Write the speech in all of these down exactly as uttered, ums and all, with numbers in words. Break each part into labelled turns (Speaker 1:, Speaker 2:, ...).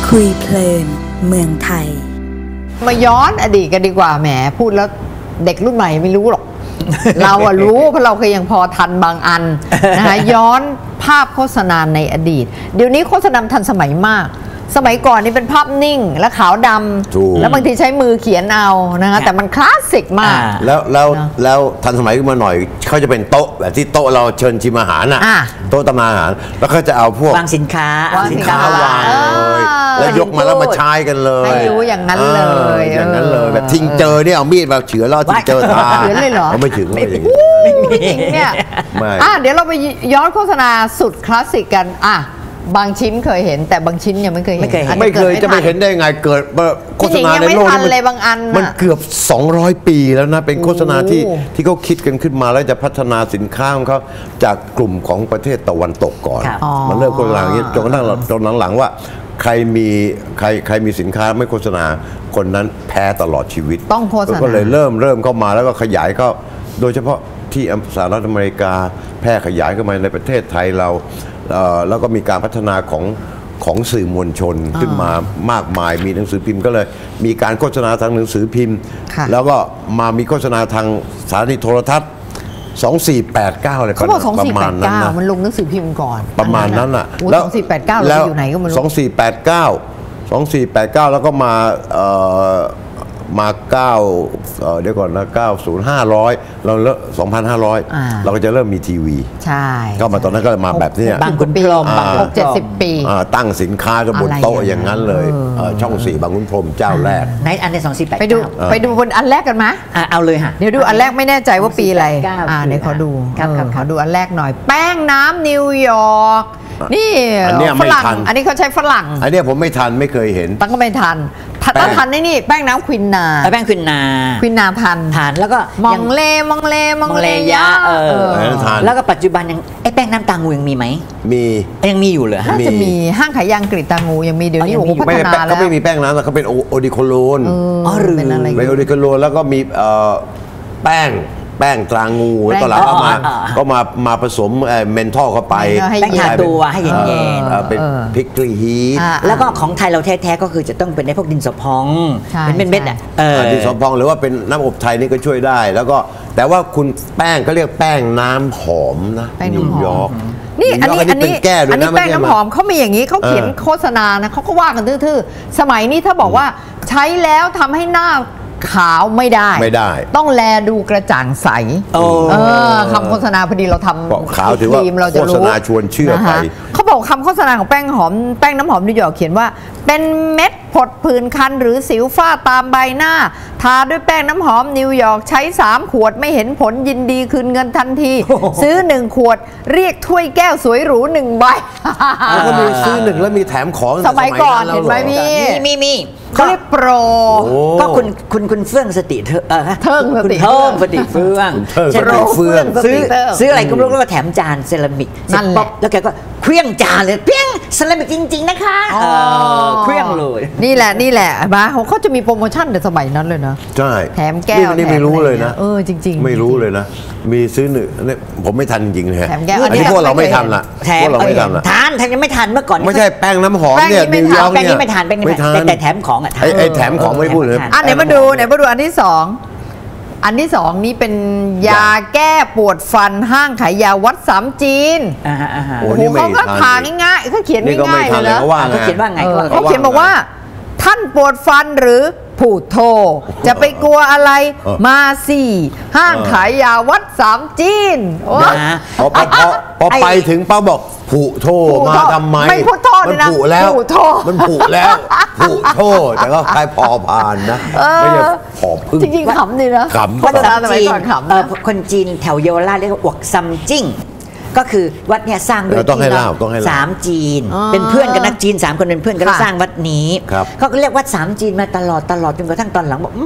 Speaker 1: คุยเพลินเมืองไทย
Speaker 2: มาย้อนอดีตกันดีกว่าแหมพูดแล้วเด็กรุ่นใหม่ไม่รู้หรอก เราอะรู้เพราะเราเคยยังพอทันบางอันนะคะย้อนภาพโฆษณาในอดีตเดี๋ยวนี้โฆษณาทันสมัยมากสมัยก่อนนี่เป็นภาพนิ่งและขาวดำแล้วบางทีใช้มือเขียนเอานะคะแต่มันคลาสสิกมาก
Speaker 3: แล้วแล้วแล้วทันสมัยขึ้นมาหน่อยเขาจะเป็นโต๊ะแบบที่โต๊ะเราเชิญชิมอาหารน่ะโต๊ะตำนานอาหารแล้วเขาจะเอาพวก
Speaker 4: วางสินค้าว
Speaker 3: างสินค้าวางเลยแล้วยกมาแล้วมาใช้กันเลย
Speaker 2: ให้รู้อย่างนั้นเลย
Speaker 3: อย่างนั้นเลยแบบทิ้งเจอเนี่ยเอามีดมาเฉือนแล้วทิ้งเจอตา
Speaker 2: เฉือนเลยเหรอ
Speaker 3: ไม่ถึงไม่ถึง
Speaker 2: เนี่ยอ่ะเดี๋ยวเราไปย้อนโฆษณาสุดคลาสสิกกันอ่ะบางชิ้นเคยเห็นแต่บางชิ้นยังไม่เคยเห็นไม่
Speaker 3: เคยจะไปเห็นได้ไงเกิดโฆษณาในโลก
Speaker 2: มันบางอัน
Speaker 3: มันเกือบสองร้อยปีแล้วนะเป็นโฆษณาที่ที่เขาคิดกันขึ้นมาแล้วจะพัฒนาสินค้าของเขาจากกลุ่มของประเทศตะวันตกก่อนมันเริ่มโฆษณาอย่างนี้จนกระทั่งจนหลังๆว่าใครมีใครใครมีสินค้าไม่โฆษณาคนนั้นแพ้ตลอดชีวิต
Speaker 2: ต้องโฆษณา
Speaker 3: ก็เลยเริ่มเริ่มเข้ามาแล้วก็ขยายเข้าโดยเฉพาะที่สหรัฐอเมริกาแพร่ขยายเข้ามาในประเทศไทยเราแล้วก็มีการพัฒนาของของสื่อมวลชนขึ้นมามากมายมีหนังสือพิมพ์ก็เลยมีการโฆษณาทางหนังสือพิมพ์แล้วก็มามีโฆษณาทางสถานีโทรทัศน์สองสี่แปดเก้าอะไร
Speaker 2: ประมาณนั้นนะมันลงหนังสือพิมพ์ก่อน
Speaker 3: ประมาณนั้นอ่ะ
Speaker 2: แล้วสองสี่แปดเก้าเราอยู่ไหนก็ไม่รู้
Speaker 3: สองสี่แปดเก้าสองสี่แปดเก้าแล้วก็มามาเก้าเดี๋ยวก่อนนะเก้าศูนย์ห้าร้อยเราเริ่มสองพันห้าร้อยเราก็จะเริ่มมีทีวี
Speaker 2: ใช่
Speaker 3: ก็มาตอนนั้นก็มาแบบนี้
Speaker 2: บางคุณพรหมบางหกเจ็ดสิบปี
Speaker 3: ตั้งสินค้าก็บนโต๊ะอย่างนั้นเลยช่องสี่บางคุณพรหมเจ้าแรก
Speaker 4: ในอันในสองสี่แปด
Speaker 2: ไปดูไปดูบนอันแรกกันไหม
Speaker 4: เอาเลยค่ะ
Speaker 2: เดี๋ยวดูอันแรกไม่แน่ใจว่าปีอะไรอ่าเดี๋ยวขอดูขอดูอันแรกหน่อยแป้งน้ำนิวยอร์กนี่ฝรั่งอันนี้เขาใช้ฝรั่ง
Speaker 3: อันนี้ผมไม่ทันไม่เคยเห็น
Speaker 2: ตั้งก็ไม่ทันถ้าทันนี่แป้งน้ำควินนา
Speaker 4: แป้งควินนา
Speaker 2: ควินนาทัน
Speaker 4: ทันแล้วก็
Speaker 2: มองเลมองเลมองเลยะ
Speaker 4: เออแล้วก็ปัจจุบันยังไอ้แป้งน้ำตางูยังมีไหม
Speaker 3: มี
Speaker 4: ยังมีอยู่เหรอ
Speaker 2: น่าจะมีห้างขายยางกรีตางูยังมีเดี๋ยวนี้โอ้โหพัฒนาแล้ว
Speaker 3: เขาไม่มีแป้งน้ำเขาเป็นโอดิโคโลน
Speaker 2: อ๋อหรือเป็นอะไร
Speaker 3: เป็นโอดิโคโลนแล้วก็มีแป้งแป้งตรางูตอนหลังก็มาก็มามาผสมเมนทอลเข้าไป
Speaker 4: แป้งทาตัวให้เย็น
Speaker 3: ๆเป็นพริกกรีฮีท
Speaker 4: แล้วก็ของไทยเราแท้ๆก็คือจะต้องเป็นในพวกดินสอพองเป็นเม็ดๆอ่ะ
Speaker 3: ดินสอพองหรือว่าเป็นน้ำอบไทยนี่ก็ช่วยได้แล้วก็แต่ว่าคุณแป้งก็เรียกแป้งน้ำหอมนะนิวยอร์ก
Speaker 2: นี่อันนี้อันนี้อันนี้แป้งน้ำหอมเขามีอย่างนี้เขาเขียนโฆษณานะเขาก็ว่ากันทื่อๆสมัยนี้ถ้าบอกว่าใช้แล้วทำให้หน้าขาวไม่ได้
Speaker 3: ไม่ได้
Speaker 2: ต้องแลดูกระจ่างใสคำโฆษณาพอดีเราทำ
Speaker 3: ขาวถือว่าโฆษณาชวนเชื่อไป
Speaker 2: เขาบอกคำโฆษณาของแป้งหอมแป้งน้ำหอมนิวยอร์กเขียนว่าเป็นเม็ดผดผื่นคันหรือสิวฝ้าตามใบหน้าทาด้วยแป้งน้ำหอมนิวยอร์กใช้สามขวดไม่เห็นผลยินดีคืนเงินทันทีซื้อหนึ่งขวดเรียกถ้วยแก้วสวยหรูหนึ่งใบ
Speaker 3: แล้วก็มีซื้อหนึ่งแล้วมีแถมของ
Speaker 2: สมัยก่อนเห็นไหมพี่
Speaker 4: มีมี
Speaker 2: เขาเรียกโปร
Speaker 4: ก็คุณคุณคุณเฟื่องสติเธอเออ
Speaker 2: เทิงสติ
Speaker 4: เทิงสติเฟื่อง
Speaker 3: ใช่เฟื่อง
Speaker 4: ซื้อซื้ออะไรก็ไม่รู้แล้วก็แถมจานเซรามิกนั่นแหละแล้วแกก็เครื่องจานเลยเพี้ยงเซรามิกจริงๆนะคะเครื่องเลย
Speaker 2: นี่แหละนี่แหละบ้าเขาจะมีโปรโมชั่นในสมัยนั้นเลยนะ
Speaker 3: ใช่
Speaker 2: แถมแก้ว
Speaker 3: นี่ไม่รู้เลยนะ
Speaker 2: เออจริงๆ
Speaker 3: ไม่รู้เลยนะมีซื้อหนึ่งผมไม่ทันจริงเลยอันนี้พวกเราไม่ทันละพวกเราไม่ทันละ
Speaker 4: ทานทานยังไม่ทันเมื่อก่อน
Speaker 3: ไม่ใช่แป้งน้ำหอมเนี่ยนิวยอร์กเนี่ย
Speaker 4: แป้งนี้ไม่ทันแป้งนี้ไม่ทันแต่แถมของอ่ะ
Speaker 3: ไอ้แถมของไม่พูดเลย
Speaker 2: อ่ะไหนมาดูไหนมาดูอันที่สองอันที่สองนี้เป็นยาแก้ปวดฟันห้างขายยาวัดสามจีนโอ้โหเขาก็ทาง่ายๆเขาเขียนง่ายๆเลยนะ
Speaker 4: เขาเขียนว่าไง
Speaker 2: เขาเขียนบอกว่าท่านปวดฟันหรือผูดโทจะไปกลัวอะไรมาสี่ห้างขายยาวัดสามจีน
Speaker 3: พอพอไปถึงป้าบอกผูโทมาทำไม
Speaker 2: ไม่พูดโทษนะ
Speaker 3: มันผูแล้วมันผูแล้วผูโทแต่ก็คล้ายพอพานนะไม่ใช่พอพึ่ง
Speaker 2: จริงๆขำดีนะ
Speaker 3: ขำ
Speaker 4: คนจีนคนจีนแถวเยาวราชเรียกว่าอวกซัมจิ้งก็คือวัดเนี่ยสร้างด้วยสามจีนเป็นเพื่อนกันนักจีนสามคนเป็นเพื่อนกันสร้างวัดนี้เขาก็เรียกวัดสามจีนมาตลอดตลอดจนกระทั่งตอนหลังบอก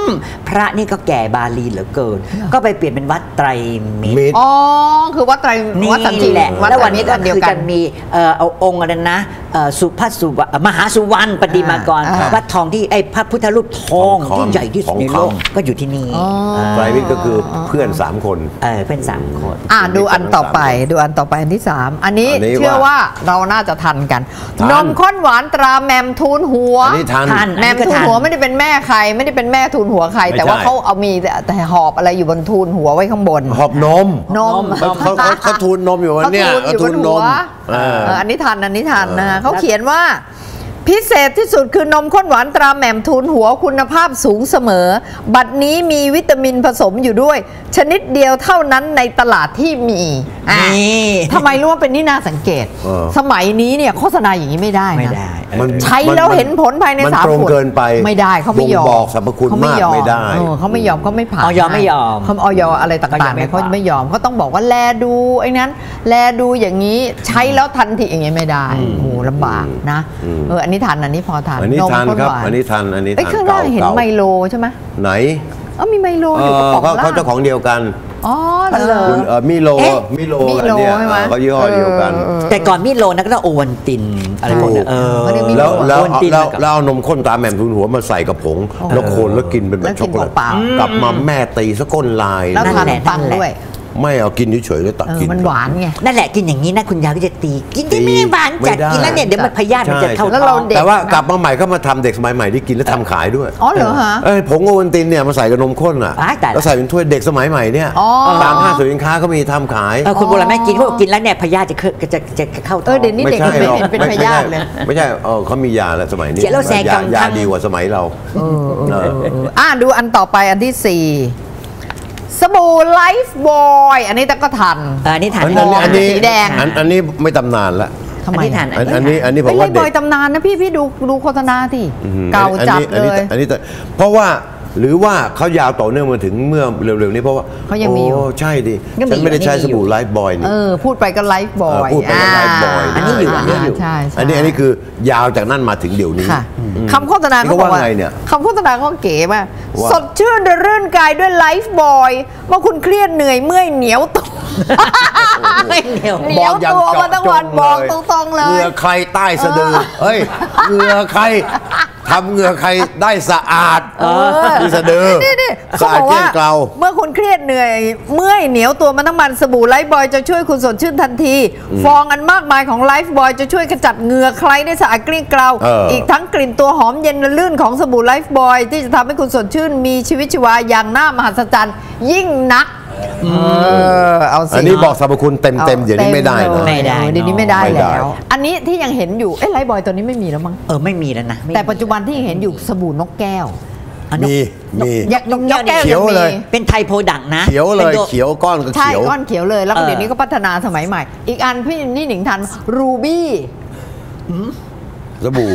Speaker 4: พระนี่ก็แก่บาลีเหลือเกิน ก็ไปเปลี่ยนเป็นวัดไตรมิตร
Speaker 3: มิตร
Speaker 2: อ๋อคือวัดไตรวัดสันติ
Speaker 4: นี่แหละ
Speaker 2: วัด
Speaker 4: แล้ว
Speaker 2: ไตร
Speaker 4: วันนี้
Speaker 2: มิตร
Speaker 4: ก็
Speaker 2: อันเดียว
Speaker 4: คือ
Speaker 2: กั
Speaker 4: จะ
Speaker 2: น
Speaker 4: มีเอ่อเอาองค์อะไรนะเอ่อสุภัสสุวรรณมหาสุวรรณปฏิมากร
Speaker 2: อ่า
Speaker 4: วัดทองที่ไอ้พระพุทธรูปทอง
Speaker 3: ทองคำ
Speaker 4: ที่ใหญ่ที่สุดในโลก
Speaker 3: ทองคำ
Speaker 4: ก็อยู่ที่นี่
Speaker 2: อ๋อ
Speaker 3: ไตรมิตรก็คือเพื่อนสามคน
Speaker 4: เออเป็นสามคน
Speaker 2: อ่ะดูอันต่อไปดูอันต่อไปอันที่สามอันนี้
Speaker 3: อันนี้
Speaker 2: เชื่อว่าเราน่าจะทันกัน
Speaker 3: ทัน
Speaker 2: นมข้นหวานตราแมมทูลหัว
Speaker 3: อันนี้ทัน
Speaker 4: ทัน
Speaker 2: แมมทูลหัวไม่ได้เป็นแม่ใคร ไม่ได้เป็นแม่ทูลหัวใคร
Speaker 3: ไม่
Speaker 2: แต่ว่า
Speaker 3: ใช่
Speaker 2: เขาเอามีแต่หอบอะไรอยู่บนทูลหัวไว้ข้างบน
Speaker 3: หอบนม
Speaker 2: นม
Speaker 3: เขาเขาเขาเขาทูลนมอยู่วันเนี้ย
Speaker 2: เขาทูลอยู่บน
Speaker 3: น
Speaker 2: หัว
Speaker 3: มเออ
Speaker 2: เอออันนี้ทันอันนี้ทันนะ
Speaker 3: เออ
Speaker 2: เขาเขียนว่า พิเศษที่สุดคือนมข้นหวานตราแหม่มทูลหัวคุณภาพสูงเสมอ บัดนี้มีวิตามินผสมอยู่ด้วย ชนิดเดียวเท่านั้นในตลาดที่มีอ่ะ
Speaker 4: นี่
Speaker 2: ทำไมรู้ว่าเป็นที่น่าสังเกต
Speaker 3: เออ
Speaker 2: สมัยนี้เนี่ยโฆษณาอย่างนี้ไม่ได้นะ
Speaker 4: ไม่ได้เออ
Speaker 3: มัน
Speaker 2: ใช้แล้วเห็นผลภายใน
Speaker 3: มัน
Speaker 2: สาม
Speaker 3: ตรง
Speaker 2: ขวด
Speaker 3: เกินไป
Speaker 2: ไม่ได้เขาไม่ยอม
Speaker 3: บ่งบอกสรรพคุณ
Speaker 2: เขาไม่
Speaker 3: มาก
Speaker 2: ยอ
Speaker 3: ไม่ได้
Speaker 2: เออเขาไม่ยอมเขาไม่ผ่าน
Speaker 4: ออยไม่ยอม
Speaker 2: เขาออยอะไรต่างๆเนี่ย
Speaker 4: เขา
Speaker 2: เขา
Speaker 4: ยังไม่
Speaker 2: ไม่ยอมเขาต้องบอกว่าแลดูไอ้นั้น แลดูอย่างนี้ใช้แล้วทันทีอย่างเงี้ยไม่ได้โอ้โหลำบากนะเอออันนี้ทันอันนี้พอทัน
Speaker 3: อันนี้
Speaker 2: ม
Speaker 3: ทัน
Speaker 2: ข้
Speaker 3: ครับ
Speaker 2: หวา
Speaker 3: อันนี้ทันอันนี้
Speaker 2: เอ้ย
Speaker 3: ทัน
Speaker 2: ข้างล่างเห็น
Speaker 3: ก่
Speaker 2: ไมโลใช่ไหม
Speaker 3: ไหน
Speaker 2: เออมีไมโล
Speaker 3: เอ
Speaker 2: อยู่กระ
Speaker 3: อ
Speaker 2: ป๋อง
Speaker 3: เขา
Speaker 2: ล่า
Speaker 3: เขา
Speaker 2: ง
Speaker 3: เจ้าของเดียวกัน
Speaker 2: อ๋อเหรอ
Speaker 3: คุณเอ่อมิโล
Speaker 2: เอ๊ะ
Speaker 3: มิโล
Speaker 2: มิ
Speaker 3: อัน
Speaker 2: โล
Speaker 3: เนี้ย
Speaker 2: ใช่ไหม
Speaker 3: เออเขายี่ห้อเดียวกัน
Speaker 2: เออ
Speaker 4: แต่ก่อนมิโลนะก็ต้องโอวันตินอะไรพวกเนี้ยเออ
Speaker 2: ไม่ได้มิ
Speaker 3: แล้วแล้ว
Speaker 4: โอวัลติน
Speaker 3: แล้ว
Speaker 4: กับ
Speaker 3: แล้วเอานมข้นตาแหม่มทุนหัวมาใส่กับผง แล้วโคนแล้วกินเป็นแบ
Speaker 2: แล้
Speaker 3: บ
Speaker 2: ว
Speaker 3: ช็อกโกแลต
Speaker 2: กินเปล่าๆ
Speaker 3: กลับมาแม่ตีสะก้นลาย
Speaker 2: แล้ว
Speaker 4: นั่น
Speaker 2: ทาน
Speaker 4: แหละ
Speaker 2: ปัง
Speaker 4: นั่นแหละ
Speaker 2: ด้วย
Speaker 3: ไม่เอากินเฉยๆแล้วตัก
Speaker 2: เออ
Speaker 3: กิน
Speaker 2: มันหวานไง
Speaker 4: นั่นแหละกินอย่างนี้นะคุณยายก็จะตีกินที่ไม่ได้หวานจัด
Speaker 3: ไม่ได้
Speaker 4: กินแล้วเนี่ยเดี๋ยวมันพยาธิมันจะเข้า
Speaker 2: แล้ว
Speaker 4: ท้
Speaker 2: เรา
Speaker 4: อง
Speaker 2: เด็ก
Speaker 3: แต่ว่ากลับมาใหม่ก็มาทำเด็กสมัยใหม่ที่กินแล้วทำขายด้วย
Speaker 2: อ๋อเหรอฮะ
Speaker 3: เอ้ยผงโอวัลตินเนี่ยมาใส่กับนมข้นอ่ะ
Speaker 4: อ้ายตายละ
Speaker 3: แล้วใส่เป็นถ้วยเด็กสมัยใหม่เนี่ย
Speaker 2: อ๋อ
Speaker 3: ตามห้างสรรพสินค้าก็มีทำขาย
Speaker 4: เออคนโบราณไม่กินเขาบอกกินแล้วเนี่ยพยาธิจะเข้าจะจะจะเข้าท้
Speaker 2: เอ
Speaker 4: อ
Speaker 2: อง เดี๋ยวนี้
Speaker 3: ไม่
Speaker 2: เด็ก
Speaker 3: ใช่
Speaker 2: ไม่
Speaker 3: หรอก
Speaker 2: เห็นเป็น
Speaker 3: ไม่
Speaker 2: พ
Speaker 3: ไม่
Speaker 2: ยา
Speaker 3: ใช่
Speaker 2: ธิเลย
Speaker 3: ไม่ใช่เออเขามียาแล้วสมัยนี้
Speaker 4: เสียแล้วแซง
Speaker 3: ยาก
Speaker 4: ำ
Speaker 3: ยา
Speaker 4: ทั้ง
Speaker 3: ดีกว่าสมัยเราเออ
Speaker 2: อ่าดูอันต่อไปอันที่สี่สบู่ไลฟ์บอยอันนี้แต่ก็ทัน
Speaker 4: เอออันนี้ทาน
Speaker 3: อันนี้อันนี้
Speaker 2: สีแดง
Speaker 3: อันอันนี้ไม่ตำนานละ
Speaker 2: ทำไม
Speaker 4: อันนี้ทาน
Speaker 3: อันอันนี้อันนี้ผ
Speaker 2: เฮ้
Speaker 3: ม
Speaker 2: ยไล
Speaker 3: ว่า
Speaker 2: ฟ์บ
Speaker 3: เด็
Speaker 2: อย
Speaker 3: ก
Speaker 2: ตำนานนะพี่พี่ดูดูโฆษณาที่
Speaker 3: อืม
Speaker 2: เก่า
Speaker 3: อัน
Speaker 2: จัด
Speaker 3: นี้อัน
Speaker 2: เล
Speaker 3: นี้
Speaker 2: ย
Speaker 3: อันนี้แต่เพราะว่าหรือว่าเขายาวต่อเนื่องมาถึงเมื่อเร็วๆนี้เพราะว่า
Speaker 2: เขายังมีอยู่
Speaker 3: โอ้ใช่ดิ
Speaker 2: ยังมี
Speaker 3: ฉันไม่ได้
Speaker 2: อยู่
Speaker 3: ใช้
Speaker 2: ยังมี
Speaker 3: สบู่
Speaker 2: อยู่
Speaker 3: ไลฟ์บอยนี่
Speaker 2: เออพูดไปก็ไลฟ์บอย
Speaker 3: เออพูดไปก็ไลฟ์บอย
Speaker 4: อันนี้อยู่อันนี้อยู่
Speaker 2: ใช่ใช่
Speaker 3: อันนี้อันนี้คือยาวจากนั้นมาถึงเดี๋ยวนี้
Speaker 2: ค่ะ
Speaker 3: อืม
Speaker 2: คำโฆษณา
Speaker 3: นี่
Speaker 2: เขา
Speaker 3: เขา
Speaker 2: บอกว่า
Speaker 3: ว่าไงเนี่ย
Speaker 2: คำโฆษณาเขาเก๋มาก
Speaker 3: ว่า
Speaker 2: สดชื่นรื่นกายด้วยไลฟ์บอยเมื่อคุณเครียดเหนื่อยเมื่อยเหนียวตัว
Speaker 4: ไม่เหนียว
Speaker 2: เหนียวตัวมาทั้งวันบอกตรงๆเลย
Speaker 3: เหงื่อใครใต้สะดือเฮ้ยเหงื่อใครทำเหงื่อใครได้สะอาดที่สะดือ
Speaker 2: นี่นี่
Speaker 3: สะอาดเกลี้ยงเกลา
Speaker 2: เมื่อคุณเครียดเหนื่อยเมื่อยเหนียวตัวมาทั้งวันสบู่ไลฟ์บอยจะช่วยคุณสดชื่นทันที ฟองอันมากมายของไลฟ์บอยจะช่วยขจัดเหงื่อใครได้สะอาดเกลี้ยงเกลา
Speaker 3: เอออี
Speaker 2: กทั้งกลิ่นตัวหอมเย็นและลื่นของสบู่ไลฟ์บอยที่จะทำให้คุณสดชื่นมีชีวิตชีวาอย่างน่ามหัศจรรย์ยิ่งนักเออเอาสิ
Speaker 3: อันนี้บอกสรรพคุณเต็มเต็มๆเดี๋ยวนี้ไม่ได้
Speaker 2: เต็
Speaker 3: นะ
Speaker 2: เลย
Speaker 4: ไม่ได้
Speaker 2: เออเดี๋ยวนี้ไม่ได้
Speaker 3: ไม่ได้
Speaker 2: แล้ว อันนี้ที่ยังเห็นอยู่เอ้ไลฟ์บอยตัวนี้ไม่มีแล้วมั้ง
Speaker 4: เออไม่มีแล้วนะไม่มี
Speaker 2: แต่ปัจจุบันที่ยังเห็นอยู่สบู่นกแก้ว
Speaker 4: อันนี้
Speaker 3: มีมี
Speaker 2: ยักษ์นกแก้ว
Speaker 3: เขียว
Speaker 2: งมี
Speaker 3: เลย
Speaker 4: เป็นไทยโปรดักต์นะ
Speaker 3: เขียวเลย
Speaker 4: ป็นตัว
Speaker 3: เขียวก้อนก็
Speaker 2: ใช่
Speaker 3: เขียว
Speaker 2: ก้อนเขียวเลยแล้วก็
Speaker 4: เออ
Speaker 2: เดี๋ยวนี้ก็พัฒนาสมัยใหม่ อีกอันพี่นี่หนิงทันรูบี้
Speaker 3: สบู่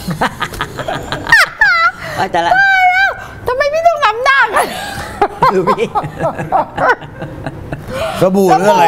Speaker 4: เอาแต่ละ
Speaker 2: ทำไมพี่ต้องทำหน้ากัน
Speaker 4: ดูพี่
Speaker 3: สบู่หรืออะไร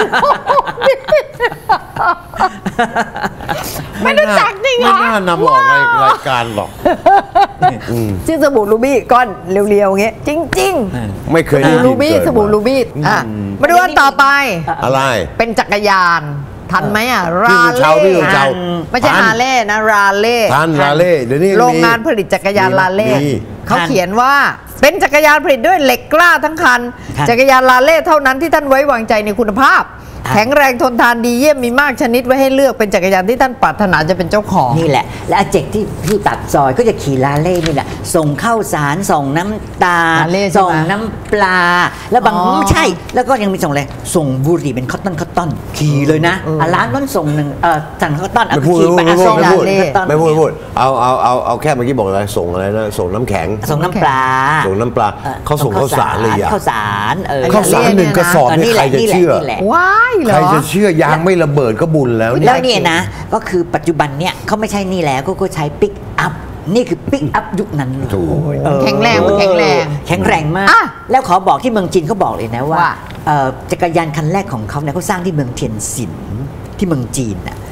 Speaker 2: ไม่รู้จักจริงเหร
Speaker 3: ไม่
Speaker 2: อ
Speaker 3: น่านำออกรายรายการหรอก
Speaker 2: ชื่อสบู่รูบี้ก้อนเรียวๆอย่างเงี้ยจริง
Speaker 3: ไม่เคย
Speaker 2: ๆ
Speaker 3: ได้
Speaker 2: สบู่
Speaker 3: ยิน
Speaker 2: รูบี้
Speaker 3: เกิด
Speaker 2: สบู่
Speaker 3: มา
Speaker 2: รูบี้อ่ะมาดูอันต่อไป
Speaker 3: อะไร
Speaker 2: เป็นจักรยานทันไหมอ่ะ
Speaker 3: พี่
Speaker 2: รา
Speaker 3: สุชาวพี่สุ
Speaker 2: เล่
Speaker 3: ชาว
Speaker 2: ไม่ใช่
Speaker 3: ทัน
Speaker 2: ฮาร์เลย์นะราเล่
Speaker 3: ทันราเล่เดี๋ยวนี้
Speaker 2: โรงงานผลิตจักรยานลาเล่
Speaker 3: มี
Speaker 2: เขาเขียนว่าเป็นจักรยานผลิตด้วยเหล็กกล้าทั้งคัน
Speaker 4: ครับ
Speaker 2: จักรยานลาเล่เท่านั้นที่ท่านไว้วางใจในคุณภาพ
Speaker 4: ครับ
Speaker 2: แข็งแรงทนทานดีเยี่ยมมีมากชนิดไว้ให้เลือกเป็นจักรยานที่ท่านปรารถนาจะเป็นเจ้าของ
Speaker 4: นี่แหละ และอาเจกที่ที่ตัดซอยก็จะขี่ลาเล่นี่แหละส่งข้าวสารส่งน้ำตาล
Speaker 2: ลาเล่ใช่ไหม
Speaker 4: ส่งน้ำปลา แล้วบาง
Speaker 2: อ๋อ
Speaker 4: ไม่ใช่ แล้วก็ยังมีส่งอะไรส่งบุหรี่เป็นคอตตอนคอตตอนขี่เลยนะ
Speaker 2: เอออ่
Speaker 4: ะร้านนั้นส่งหนึ่งเออสั่งคอตตอนเอา
Speaker 3: ไม่พูด
Speaker 4: ขี่ไป
Speaker 3: ไม่
Speaker 4: อ่ะ
Speaker 3: พูด
Speaker 4: ส่ง
Speaker 3: ไม่พูด
Speaker 4: ลาเล่คอตตอน
Speaker 3: ไม่พูดไม่พูดเอาเอาเอาเอาแค่เมื่อกี้บอกอะไรส่งอะไรนะส่งน้ำแข็ง
Speaker 4: ส่งน้ำปลา
Speaker 3: ส่งน้ำปลา
Speaker 4: อ่อ
Speaker 3: เขาส่งข้าวสารเลยอ่ะ
Speaker 4: ข้าวสารเออ
Speaker 3: ข้าวสารหนึ่งกระสอบ
Speaker 4: เออ
Speaker 3: นี่
Speaker 4: นี่
Speaker 3: ใค
Speaker 4: แห
Speaker 3: ร
Speaker 4: ละ
Speaker 3: จะ
Speaker 4: นี่แหละ
Speaker 3: เชื่อ
Speaker 4: นี่แหละ
Speaker 2: ว้ายเหรอ
Speaker 3: ใครจะเชื่อยางไม่ระเบิดก็บุญแล้วเนี่ย
Speaker 4: แล้วเนี่ยนะก็คือปัจจุบันเนี่ยเขาไม่ใช่นี่แล้วก็ก็ใช้ปิกอัพนี่คือปิกอัพยุคนั้นเลย
Speaker 3: ถูก
Speaker 4: เออ
Speaker 2: แข็งแรงมันแข็งแรง
Speaker 4: แข็งแรงมาก
Speaker 2: อ่ะ
Speaker 4: แล้วขอบอกที่เมืองจีนเขาบอกเลยนะว่า
Speaker 2: ว่า
Speaker 4: เอ่อจักรยานคันแรกของเขาเนี่ยเขาสร้างที่เมืองเทียนซินที่เมืองจีนน่ะ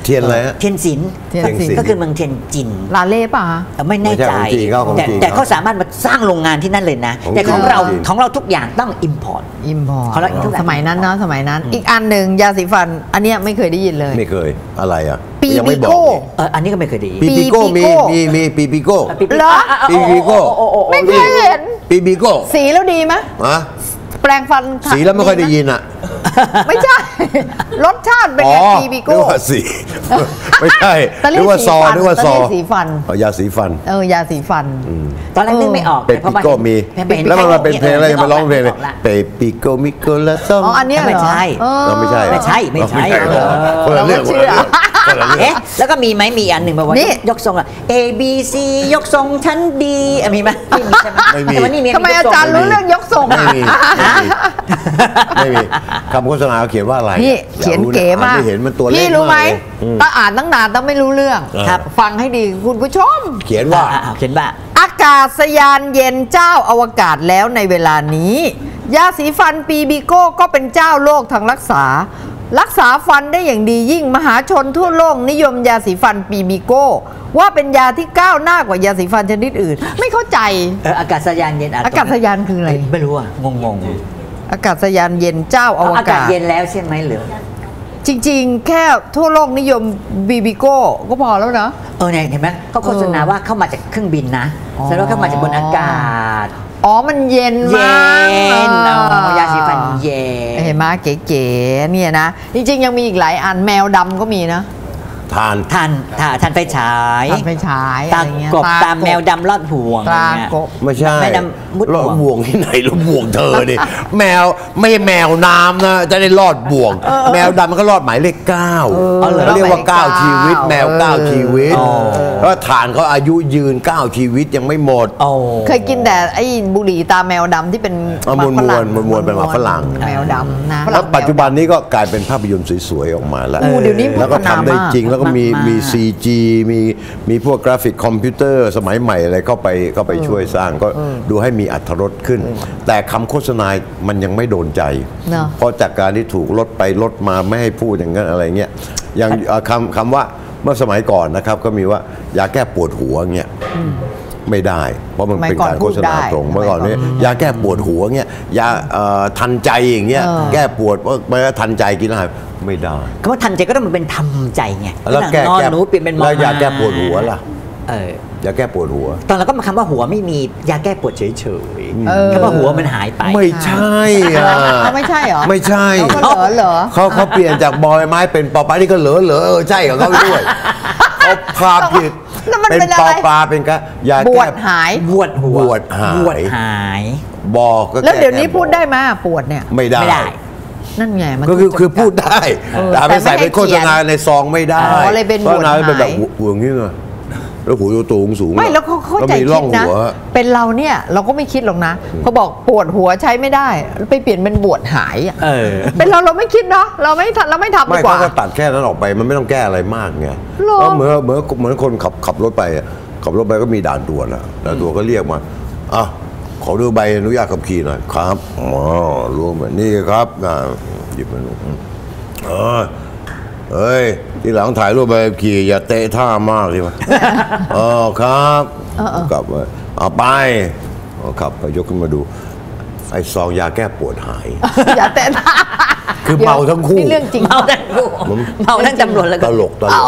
Speaker 3: เทียนอะไรฮะ
Speaker 4: เทียนศิลป์
Speaker 2: เทียนศิลป์
Speaker 4: ก็คือเมืองเทียนจิน
Speaker 2: ลาเล่ป่ะ
Speaker 4: เอ่อไม่แน่ใจ
Speaker 3: ไม่ใช่ของจีนเขาของ
Speaker 4: แต่
Speaker 3: จีน
Speaker 4: แต่เขาสามารถมาสร้างโรงงานที่นั่นเลยนะ
Speaker 3: ของ
Speaker 4: แต่ของ
Speaker 3: จีน
Speaker 4: เรา
Speaker 3: ของจีน
Speaker 4: ของเราทุกอย่างต้อง import
Speaker 2: อิมพอร์
Speaker 4: เขาเรียกทุกอย่าง
Speaker 2: สมัยนั้นเนาะสมัยนั้น อีกอันหนึ่งยาสีฟัน อันเนี้ยไม่เคยได้ยินเลย
Speaker 3: ไม่เคยอะไรอ่ะ
Speaker 2: ปี
Speaker 3: ยังไม่บ
Speaker 2: บิโก้
Speaker 3: อก
Speaker 4: เอออันนี้ก็ไม่เคยได้ยิน
Speaker 3: ปี
Speaker 2: ปี
Speaker 3: ปีโก้มี
Speaker 2: โก้
Speaker 3: มีมีปีปีโก้
Speaker 2: เหรอ
Speaker 3: ปีปีโก้
Speaker 2: ไม่เคยเห็น
Speaker 3: ปีปีโก้
Speaker 2: สีแล้วดีไหม
Speaker 3: อะ
Speaker 2: แปลงฟัน
Speaker 3: สีแล้วไม่ค่อยได้ยินอ่ะ
Speaker 2: ไม่ใช่ รสชาติเป็น
Speaker 3: อ๋อ
Speaker 2: ไงปีบิ
Speaker 3: นึ
Speaker 2: โก้
Speaker 3: กว่าสี ไม่ใช่
Speaker 2: ตะลี่
Speaker 3: นึกว่าซอ
Speaker 2: สีฟัน
Speaker 3: นึกว่าซอ
Speaker 2: ตะลี่สีฟัน
Speaker 3: อ๋อยาสีฟัน
Speaker 2: เออยาสีฟัน
Speaker 4: ตอนแรกนึกไม่ออก
Speaker 3: เปป
Speaker 4: แต่พอ
Speaker 3: ปิโก้มี
Speaker 4: เห็นเห็น
Speaker 3: แล้วมันมาเป็นเพลงอะไร
Speaker 4: นึก
Speaker 3: มาร้องเพลงเลย
Speaker 4: กละ
Speaker 3: เปปปิโก้มิโก้ละต้อง
Speaker 2: อ๋ออันเนี้ยเหรอ
Speaker 4: ไม่ใช่
Speaker 2: เออ
Speaker 3: เราไม่ใช่เหรอ
Speaker 4: ไม่ใช่ไม่ใช่
Speaker 3: เหรอ
Speaker 4: เออ
Speaker 3: คนละเรื่อง
Speaker 2: เรา
Speaker 3: คน
Speaker 2: ไม่
Speaker 3: ละ
Speaker 2: เชื่อ
Speaker 3: เรื่องคนละเรื่อง
Speaker 4: เอ๊ะแล้วก็มีไหมมีอันหนึ่งแบบว่า
Speaker 2: นี่
Speaker 4: ยกทรงอะ A B C ยกทรงชั้นดีอ่ะมีไหมไม่มีใช่ไหม
Speaker 3: ไม่มี
Speaker 4: แต่ว่านี่มี
Speaker 2: ทำไมอาจารย์รู้เรื่องยกทรง
Speaker 3: ไม่
Speaker 2: อ่ะ
Speaker 3: มีไม่มีคำโฆษณาเขาเขียนว่าอะไร
Speaker 2: พี่
Speaker 3: อาก
Speaker 2: เขียน
Speaker 3: รู้ะ
Speaker 2: เก๋มาก
Speaker 3: อ่นไม่เห็นมันตัวเล็ก
Speaker 2: พี่รู้ไหม
Speaker 3: ากเลยอืม
Speaker 2: ต้องอ่านตั้งนานต้องไม่รู้เรื่อง
Speaker 3: ครับ
Speaker 2: ฟังให้ดีคุณผู้ชม
Speaker 3: เขียนว่า
Speaker 4: อ่ะอ่ะเขียนว่า
Speaker 2: อากาศยานเย็นเจ้าอวกาศแล้วในเวลานี้ ยาสีฟันปีบิโก้ก็เป็นเจ้าโลกทางรักษา รักษาฟันได้อย่างดียิ่งมหาชนทั่วโลกนิยมยาสีฟันปีบิโก้ว่าเป็นยาที่ก้าวหน้ากว่ายาสีฟันชนิดอื่น ไม่เข้าใจ
Speaker 4: เอออากาศยานเย็นอ่ะ
Speaker 2: อากาศยานคืออะไร
Speaker 4: ไม่รู้อ่ะงงง
Speaker 2: อากาศยานเย็นเจ้า
Speaker 4: ๆ
Speaker 2: อว
Speaker 4: อากาศ
Speaker 2: กาศ
Speaker 4: เย็นแล้วใช่ไหมหรือ
Speaker 2: จริงๆ แค่ทั่วโลกนิยมบีบิโก้ก็พอแล้วนะ
Speaker 4: เออเนี่ยเห็นไหมเขาโฆษณาว่าเข้ามาจากเครื่องบินนะ
Speaker 2: อ๋อ
Speaker 4: แสดงว่าเข้ามาจากบนอากาศ
Speaker 2: อ๋อมันเย็น
Speaker 4: เย็
Speaker 2: มาก
Speaker 4: นอ๋อยาสีฟันเย็น
Speaker 2: เห็นไหมเก๋ๆเนี่ยนะ จริงๆ ยังมีอีกหลายอันแมวดำก็มีนะ
Speaker 3: ทาน
Speaker 4: ทันทันทันไฟฉาย
Speaker 2: ทำไปฉาย
Speaker 4: ตา
Speaker 2: อะไรเงี้ย
Speaker 4: กบตามแมวดำลอดห่วง
Speaker 2: ตรา
Speaker 4: อะไรเงี้ย
Speaker 2: กบ
Speaker 3: ไม่ใช่
Speaker 4: ไม่ดำมุด
Speaker 3: รอด
Speaker 4: บ่วง
Speaker 3: บ่วงที่ไหนรอดบ่วงเธอนี่ แมวไม่ใช่แมวน้ำนะจะได้รอดบ่วง แมวดำมันก็รอดหมายเลขเก้า
Speaker 2: อเหรอ
Speaker 3: เขาเรียกว่า
Speaker 2: หมายเลข
Speaker 3: เก้า
Speaker 2: เก้า
Speaker 3: ชีวิต แมวเก้า
Speaker 2: เออ
Speaker 3: ชีวิต
Speaker 4: อ๋อ
Speaker 3: เพราะฐานเขาอายุยืนเก้าชีวิตยังไม่หมด
Speaker 4: โอ้
Speaker 2: เคยกินแต่ไอ้บุหรี่ตาแมวดำที่เป็น
Speaker 3: เอา
Speaker 2: หกฝรั่ง
Speaker 3: มวนๆเป็นหมากฝรั่ง
Speaker 2: แมวดำนะ
Speaker 3: แล้วปัจจุบันนี้ก็กลายเป็นภาพยนตร์สวยๆออกมาแล้ว
Speaker 2: โอ้เดี๋ยวนี้
Speaker 3: แล้วก็ทำได้
Speaker 2: พัฒนามาก
Speaker 3: จริงแล้วก็มี
Speaker 4: มากๆ
Speaker 3: มี ซี จี มีมีพวกกราฟิกคอมพิวเตอร์สมัยใหม่อะไรเข้าไปเข้าไปช่วยสร้างก็ดูให้มีอรรถรสขึ้น แต่คำโฆษณา มันยังไม่โดนใจ
Speaker 2: เนอะ
Speaker 3: เพราะจากการที่ถูกลดไปลดมาไม่ให้พูดอย่างนั้นอะไรเงี้ยอย่างเอ่อคำคำว่าเมื่อสมัยก่อนนะครับก็มีว่ายาแก้ปวดหัวเงี้ยไม่ได้ เพราะมันเป็นการโฆษณาตรงเมื่อก่อนนี้ยาแก้ปวดหัวเงี้ยยาเอ่อทันใจอย่างเงี้ย
Speaker 2: เออ
Speaker 3: แก้ปวดว่าไม่ทันใจกินอะไรไม่ได้
Speaker 4: คำว่าทันใจก็ต้องมันเป็นทำใจไง
Speaker 3: แล้วแก้
Speaker 4: นอน
Speaker 3: แก้
Speaker 4: หนูเปลี่ยนเป็นมอ
Speaker 3: แล้วยา
Speaker 4: ม้
Speaker 3: แก้ปวดหัวล่ะ
Speaker 4: เออย
Speaker 3: าแก้ปวดหัว
Speaker 4: ตอนเราก็มาคำว่าหัวไม่มียาแก้ปวดเฉย
Speaker 2: เออ
Speaker 4: ๆคำว่าหัวมันหายไป
Speaker 3: ไม่ใช่อ่ะ
Speaker 2: เขาไม่ใช่เหรอ
Speaker 3: ไม่ใช่
Speaker 2: เขาก็เหรอเหรอ
Speaker 3: เขาเขาเปลี่ยนจากบอยไม้เป็นปอปลานี่ก็เหลือเหลือเออใช่ของเขาด้วยเขาพาผิด
Speaker 2: แล้วมัน
Speaker 3: เป็น
Speaker 2: เป็นอะ
Speaker 3: ปอ
Speaker 2: ไร
Speaker 3: ปลาเป็นกะยา
Speaker 2: บว
Speaker 3: แก้
Speaker 2: ดหาย
Speaker 4: บวดหัว
Speaker 3: บวดหาย
Speaker 4: บวดหาย
Speaker 3: บอกก็
Speaker 2: แล้วเดี๋ยวนี้
Speaker 3: ก้
Speaker 2: พูดได้ไหมปวดเนี่ย
Speaker 3: ไม่ได้
Speaker 4: ไม่ได้
Speaker 2: นั่นไงมัน
Speaker 3: ก็คือ
Speaker 2: จำกั
Speaker 3: คือพูดได้
Speaker 2: เออ
Speaker 3: แต่เอาไป
Speaker 2: แต่ไม่
Speaker 3: ใส่เป็น
Speaker 2: ให้
Speaker 3: โฆษณา
Speaker 2: เขียน
Speaker 3: ในซองไม่ได้
Speaker 2: อ๋อเลยเป็น
Speaker 3: โฆษณา
Speaker 2: บวด
Speaker 3: เป็นแบบ
Speaker 2: หาย
Speaker 3: หัวอย่างนี้ไงแล้วหูตูงสูง
Speaker 2: ไม่แล้วเขาเข้าใจ
Speaker 3: มีร่
Speaker 2: คิ
Speaker 3: อ
Speaker 2: ด
Speaker 3: ง
Speaker 2: นะ
Speaker 3: หัว
Speaker 2: เป็นเราเนี่ยเราก็ไม่คิดหรอกนะเขาบอกปวดหัวใช้ไม่ได้ ไปเปลี่ยนเป็นบวดหายอะ
Speaker 4: เออ
Speaker 2: เป็นเราเราไม่คิดเนาะเราไม่ทำเราไม่ทำดี
Speaker 3: ไม่
Speaker 2: กว่า
Speaker 3: เขาก็ตัดแค่นั้นออกไปมันไม่ต้องแก้อะไรมากไง
Speaker 2: หรอ
Speaker 3: แล้วเหมือนเหมือนเหมือนคนขับขับรถไปอะขับรถไปก็มีด่านตรวจอะด่านตรวจก็เรียกมาอ่ะขอดูใบอนุญาตขับขี่หน่อยครับอ๋อรู้ไหมนี่ครับอ่าหยิบมาดูเออเฮ้ยที่หลังถ่ายรูปใบขับขี่อย่าเตะท่ามากเลย วะอ๋อครับกลับมาเอาไปเอาขับไปยกขึ้นมาดูไอ้ซองยาแก้ปวดหาย
Speaker 2: อย่าแต่
Speaker 3: คือเมาทั้งคู่
Speaker 2: นี่เรื่องจริง
Speaker 4: เมาทั้งคู่เมาทั้งตำรวจแล้ว
Speaker 3: ต
Speaker 4: ก็
Speaker 3: ลกตลก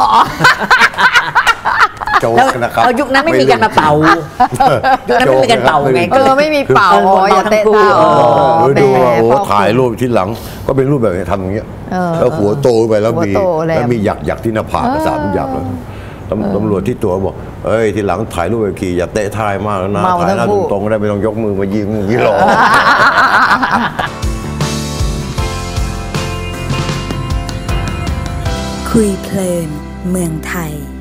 Speaker 3: โจ๊ก
Speaker 4: แล้ว
Speaker 3: นะครับ
Speaker 4: เอายุคนั้นไม่มีการมาเป่า ยุคนั้นไม่มีการเป่าไง
Speaker 2: เออไม่มีเป่า
Speaker 4: เออ
Speaker 2: อ๋ออย่าเตะ
Speaker 4: เมาทั้งคู่
Speaker 2: เท้า
Speaker 3: เออดู
Speaker 2: แหม
Speaker 3: ว่าโอ้
Speaker 2: พ่อ
Speaker 3: ถ่ายรูปที่หลังก็เป็นรูปแบบนี้ทำอย่างเงี้ย
Speaker 2: เออ
Speaker 3: แล้วหัวโตไปแล้ว
Speaker 2: หัว
Speaker 3: มี
Speaker 2: โตแหลม
Speaker 3: แล้วมีหยักหยักที่หน้าผากสามหยักเลยตำตำรวจที่ตัวบอกเอ้ยที่หลังถ่ายรูปแบบขี่อย่าเตะท้ายมากแล้วนะ
Speaker 2: เมา
Speaker 3: ถ่ายหน้า
Speaker 2: ทั้งคู่
Speaker 3: ตรงๆก็ได้ไม่ต้องยกมือมายิงอย่างนี้หรอก
Speaker 1: คุยเพลินเมืองไทย